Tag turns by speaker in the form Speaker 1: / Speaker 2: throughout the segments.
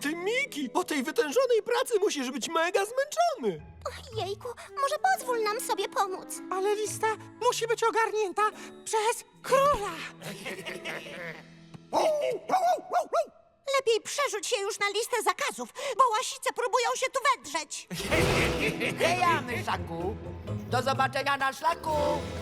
Speaker 1: ty, Miki! Po tej wytężonej pracy musisz być mega zmęczony!
Speaker 2: Jejku, może pozwól nam sobie pomóc.
Speaker 3: Ale lista musi być ogarnięta przez króla.
Speaker 2: Lepiej przerzuć się już na listę zakazów, bo łasice próbują się tu wedrzeć.
Speaker 4: Heja, myszaku! Do zobaczenia na szlaku!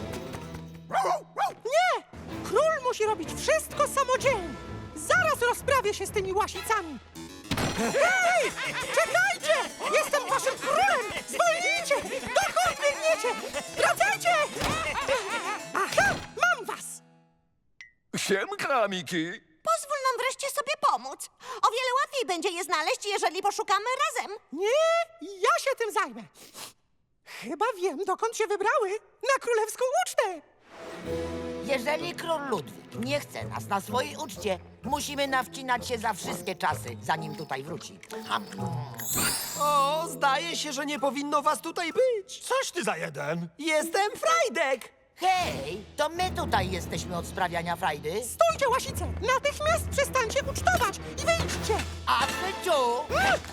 Speaker 3: Nie! Król musi robić wszystko samodzielnie. Zaraz rozprawię się z tymi łasicami. Hej! Czekajcie! Jestem waszym królem! Zwolnijcie! Dokąd biegniecie? Wracajcie! Aha! Mam was!
Speaker 1: Siemka, Miki!
Speaker 2: Pozwól nam wreszcie sobie pomóc. O wiele łatwiej będzie je znaleźć, jeżeli poszukamy razem.
Speaker 3: Nie, ja się tym zajmę. Chyba wiem, dokąd się wybrały. Na królewską ucztę.
Speaker 4: Jeżeli król Ludwik nie chce nas na swojej uczcie, musimy nawcinać się za wszystkie czasy, zanim tutaj wróci.
Speaker 1: O, zdaje się, że nie powinno was tutaj być!
Speaker 5: Coś ty za jeden!
Speaker 1: Jestem Frajdek!
Speaker 4: Hej, to my tutaj jesteśmy od sprawiania frajdy.
Speaker 3: Stójcie, łasice! Natychmiast przestańcie ucztować i wyjdźcie!
Speaker 4: A Fyciu!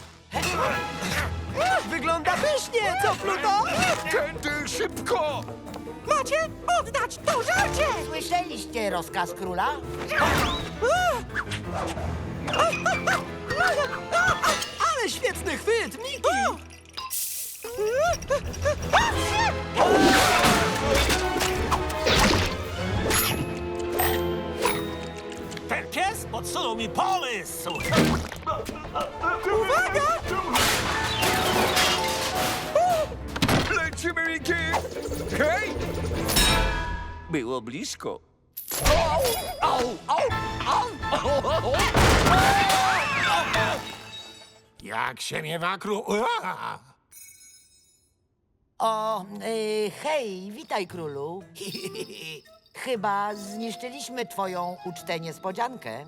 Speaker 1: Wygląda pysznie, co, Pluto?
Speaker 5: Tędy szybko!
Speaker 3: Macie oddać to żarcie!
Speaker 4: Słyszeliście rozkaz króla?
Speaker 1: Ale świetny chwyt, Miki!
Speaker 5: Ten pies podsunął mi pomysł!
Speaker 3: Uwaga!
Speaker 5: Lecimy, Miki! Hej! Było blisko. Jak się miewa król...
Speaker 4: O, hej, witaj królu. Chyba zniszczyliśmy twoją ucztę niespodziankę.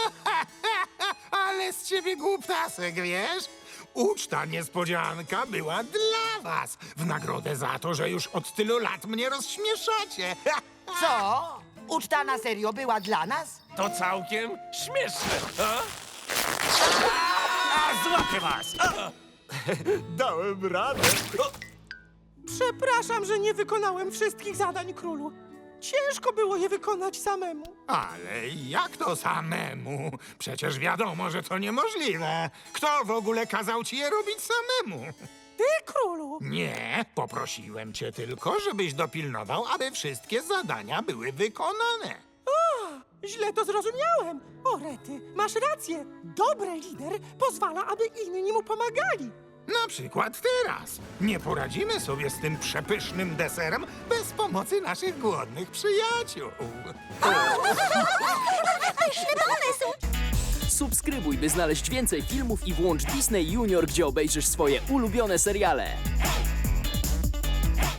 Speaker 6: Ale z ciebie głuptasek, wiesz? Uczta niespodzianka była dla was. W nagrodę za to, że już od tylu lat mnie rozśmieszacie.
Speaker 4: Co? Uczta na serio była dla nas?
Speaker 5: To całkiem śmieszne, a? A, złapię was! A! Dałem radę.
Speaker 3: Przepraszam, że nie wykonałem wszystkich zadań, królu. Ciężko było je wykonać samemu.
Speaker 6: Ale jak to samemu? Przecież wiadomo, że to niemożliwe. Kto w ogóle kazał ci je robić samemu?
Speaker 3: Ty, królu!
Speaker 6: Nie, poprosiłem cię tylko, żebyś dopilnował, aby wszystkie zadania były wykonane.
Speaker 3: Źle to zrozumiałem. O, rety, masz rację. Dobry lider pozwala, aby inni mu pomagali.
Speaker 6: Na przykład teraz. Nie poradzimy sobie z tym przepysznym deserem bez pomocy naszych głodnych przyjaciół.
Speaker 7: Subskrybuj, by znaleźć więcej filmów i włącz Disney Junior, gdzie obejrzysz swoje ulubione seriale.